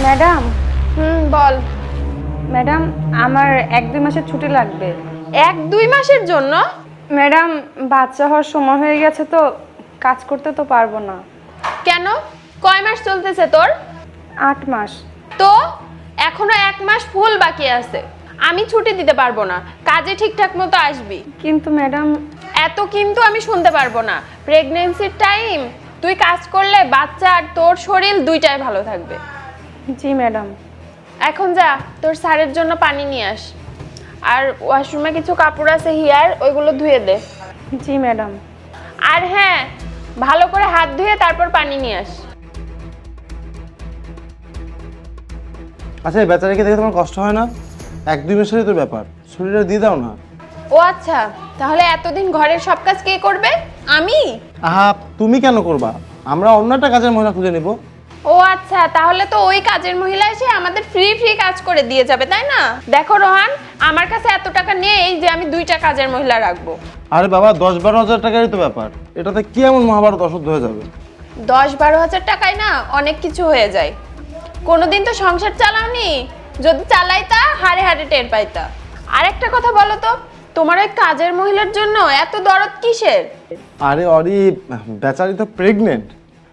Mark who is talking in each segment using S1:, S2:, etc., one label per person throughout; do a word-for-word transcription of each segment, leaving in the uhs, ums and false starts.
S1: Madam.
S2: হুম বল।
S1: Madam, আমার এক দুই মাসের ছুটি লাগবে।
S2: এক দুই মাসের জন্য?
S1: ম্যাডাম, বাচ্চা হওয়ার সময় হয়ে গেছে তো, কাজ করতে তো পারবো না।
S2: কেন? কয় মাস চলতেছে তোর?
S1: আট মাস।
S2: তো এখনো এক মাস ফুল বাকি আছে। আমি ছুটি দিতে পারবো না, কাজে ঠিকঠাক মতো আসবি।
S1: কিন্তু ম্যাডাম।
S2: এত কিন্তু আমি শুনতে পারবো না। প্রেগন্যান্সির টাইম তুই কাজ করলে বাচ্চা আর তোর শরীর দুইটাই ভালো থাকবে।
S1: জি ম্যাডাম।
S2: এখন যা, তোর স্যারের জন্য পানি নিয়ে আস। আর ওয়াশরুমে কিছু কাপড় আছে হিয়ার, ওইগুলো ধুয়ে দে।
S1: জি ম্যাডাম।
S2: আর হ্যাঁ, ভালো করে হাত ধুয়ে তারপর পানি নিয়ে আস।
S3: আচ্ছা, এই বেচারাকে দেখে তোমার কষ্ট হয় না? এক দুই মাসেরই তো ব্যাপার, শরীরটা দিয়ে দাও না।
S2: ও আচ্ছা, তাহলে এতদিন ঘরের সব কাজ কে করবে? আমি?
S3: আহা, তুমি কেন করবা? আমরা অন্য একটা কাজের মহিলা খুঁজে নিব।
S2: ও আচ্ছা, তাহলে তো ওই কাজের মহিলা এসে আমাদের ফ্রি ফ্রি কাজ করে দিয়ে যাবে, তাই না? দেখো রোহান, আমার কাছে এত টাকা নেই যে আমি দুইটা কাজের মহিলা রাখবো।
S3: আরে বাবা, দশ বারো হাজার টাকারই তো ব্যাপার, এটাতে কি এমন মহাভারত অশুদ্ধ হয়ে যাবে?
S2: দশ বারো হাজার টাকায় না অনেক কিছু হয়ে যায়। কোনোদিন তো সংসার চালাওনি, যদি চালাইতা হাড়ে হাড়ে টের পাইতা। আর একটা কথা বলো তো, তোমার ওই কাজের মহিলার জন্য এত দরদ কিসের?
S3: আরে অরি, বেচারি তো প্রেগনেন্ট।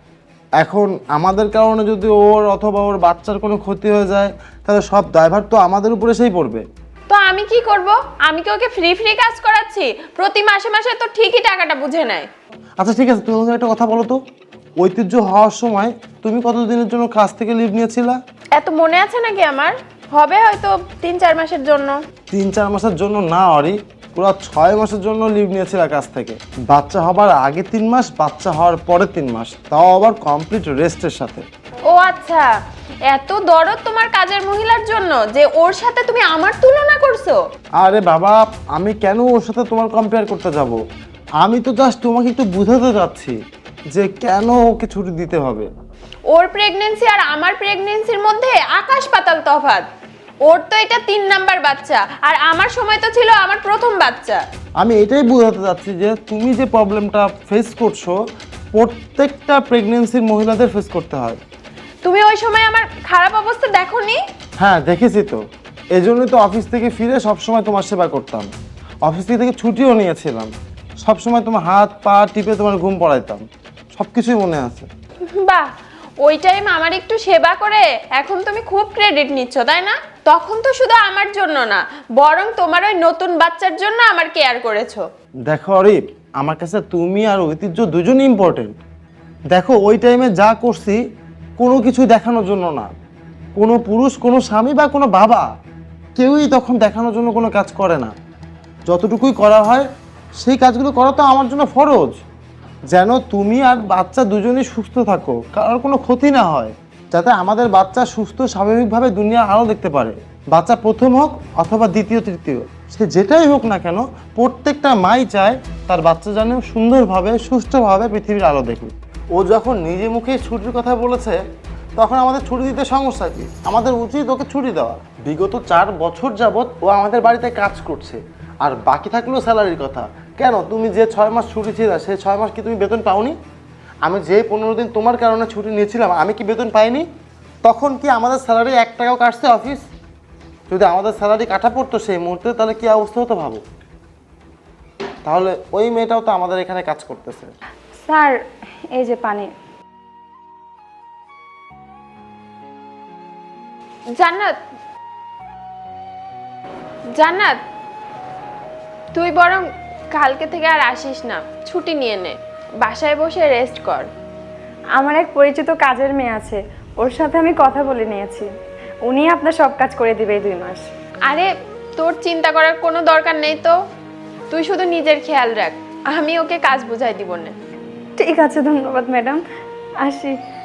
S3: এখন আমাদের কারণে যদি ওর অথবা ওর বাচ্চার কোনো ক্ষতি হয়ে যায়, তাহলে সব দায়ভার তো আমাদের উপরে এসেই পড়বে।
S2: তো আমি কি করব? আমি কি ওকে ফ্রি ফ্রি কাজ করাচ্ছি? প্রতি মাসে মাসে তো ঠিকই টাকাটা বুঝে নেয়।
S3: আচ্ছা ঠিক আছে, তুমি আমাকে একটা কথা বলো তো, ঐতিহ্য হওয়ার সময় তুমি কতদিনের জন্য কাজ থেকে লিভ নিয়েছিলা?
S2: এত মনে আছে নাকি আমার? হবে হয়তো তিন চার মাসের জন্য।
S3: তিন চার মাসের জন্য না অরি, পুরো ছয় মাসের জন্য লিভ নিয়েছিল কাজ থেকে। বাচ্চা হবার আগে তিন মাস, বাচ্চা হওয়ার পরে তিন মাস, তাও আবার কমপ্লিট রেস্টের সাথে।
S2: ও আচ্ছা, এত দরদ তোমার কাজের মহিলার জন্য যে ওর সাথে তুমি আমার তুলনা করছো?
S3: আরে বাবা, আমি কেন ওর সাথে তোমার কম্পেয়ার করতে যাব? আমি তো জাস্ট তোমাকে একটু বুঝাতে যাচ্ছি যে কেন ওকে ছুটি দিতে হবে।
S2: ওর প্রেগন্যান্সি আর আমার প্রেগন্যান্সির মধ্যে আকাশ পাতাল তফাৎ। ওর তো এটা তিন নাম্বার বাচ্চা, আর আমার সময় তো ছিল আমার প্রথম বাচ্চা।
S3: আমি এটাই বোঝাতে চাচ্ছি যে তুমি যে প্রবলেমটা ফেস করছো, প্রত্যেকটা প্রেগনেন্সির মহিলাদের ফেস করতে হয়।
S2: তুমি ওই সময় আমার খারাপ অবস্থা দেখোনি?
S3: হ্যাঁ দেখেছি তো, এই জন্যই তো অফিস থেকে ফিরে সবসময় তোমার সেবা করতাম। অফিস থেকে ছুটিও নিয়েছিলাম, সবসময় তোমার হাত পা টিপে তোমার ঘুম পড়াইতাম, সব কিছুই মনে আছে।
S2: বাহ, ওই টাইম আমার একটু সেবা করে এখন তুমি খুব ক্রেডিট নিচ্ছ, তাই না? তখন তো শুধু আমার জন্য না, বরং তোমার ওই নতুন বাচ্চার জন্য আমার কেয়ার করেছো।
S3: দেখো অরিপ, আমার কাছে তুমি আর ঐতিহ্য দুজনই ইম্পর্টেন্ট। দেখো ওই টাইমে যা করছি কোনো কিছু দেখানোর জন্য না। কোনো পুরুষ, কোনো স্বামী বা কোনো বাবা কেউই তখন দেখানোর জন্য কোনো কাজ করে না। যতটুকুই করা হয় সেই কাজগুলো করা তো আমার জন্য ফরজ, যেন তুমি আর বাচ্চা দুজনেই সুস্থ থাকো, কারোর কোনো ক্ষতি না হয়, যাতে আমাদের বাচ্চা সুস্থ স্বাভাবিকভাবে দুনিয়া আরও দেখতে পারে। বাচ্চা প্রথম হোক অথবা দ্বিতীয় তৃতীয়, সে যেটাই হোক না কেন, প্রত্যেকটা মাই চায় তার বাচ্চা যেন সুন্দরভাবে সুস্থভাবে পৃথিবীর আলো দেখুক। ও যখন নিজে মুখে ছুটির কথা বলেছে, তখন আমাদের ছুটি দিতে সমস্যা কি? আমাদের উচিত ওকে ছুটি দেওয়া। বিগত চার বছর যাবৎ ও আমাদের বাড়িতে কাজ করছে, আর বাকি থাকলো স্যালারির কথা। কেন, তুমি যে ছয় মাস ছুটি ছিল সেই ছয় মাস কি তুমি বেতন পাওনি? আমি যে পনেরো দিন তোমার কারণে ছুটি নিয়েছিলাম, আমি কি বেতন পাইনি? তখন কি আমাদের স্যালারি এক টাকাও কাটছে অফিস? যদি আমাদের স্যালারি কাটা পড়তো সেই মুহূর্তে, তাহলে কি অবস্থা হতো ভাবো। তাহলে ওই মেয়েটাও তো আমাদের এখানে কাজ করতেছে।
S1: স্যার, এই যে পানি।
S2: জান্নাত, জান্নাত, তুই বরং কালকে থেকে আর আসিস না, ছুটি নিয়ে নে, বাসায় বসে রেস্ট কর।
S1: আমার এক পরিচিত কাজের মেয়ে আছে, ওর সাথে আমি কথা বলে নিয়েছি, উনি আপনার সব কাজ করে দিবে এই দুই মাস।
S2: আরে তোর চিন্তা করার কোনো দরকার নেই তো, তুই শুধু নিজের খেয়াল রাখ, আমি ওকে কাজ বুঝাই দিব না।
S1: ঠিক আছে, ধন্যবাদ ম্যাডাম, আসি।